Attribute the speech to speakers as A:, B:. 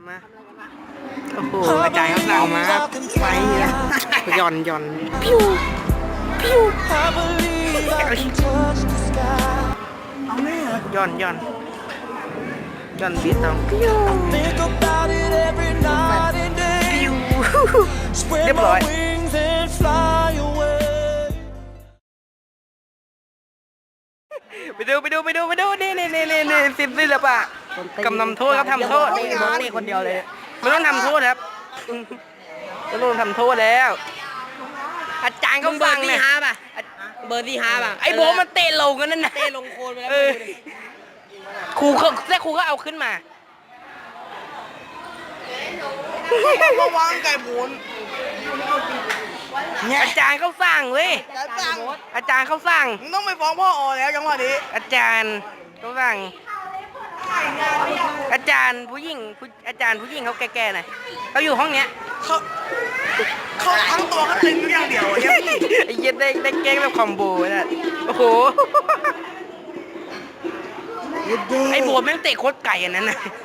A: มาโอ้โหอาจารย์เขาสั่งมาครับไปนะหย่อนพิวพิวหย่อนบีตองพิวเรียบร้อยไปดูนี่ศิลปะกำนำโทษครับทำโทษนี่คนเดียวเลยไม่ต้องทำโทษครับไม่ต้องทำโทษแล้วอาจารย์เขาฟังเนี่ย
B: เบอร์ที่5ป่ะ
A: ไอ้โบมันเตะลงกันนั่นนะ
B: เตะลงโคนไปแล้ว
A: ครูก็เอาขึ้นมา
C: ระวังไก่หมุน
A: อาจารย์เขาสั่งเว้ยอาจารย์เขาสั่ง
C: มึงต้องไปฟ้องพ่ออแล้วจังหวะนี้
A: อาจารย์เขาสั่งอาจารย์ผู้หญิงเขาแก่ๆหน่อยเขาอยู่ห้องเนี้ย
C: เขาทั้งตัวเขาตึงอย่างเดียวเนี่ย
A: ไอ้เหี้ยได้แกล้งแบบคอมโบน่ะโอ้โหไอ้โบแม่งเตะโคตรไก่อันนั้นน่ะ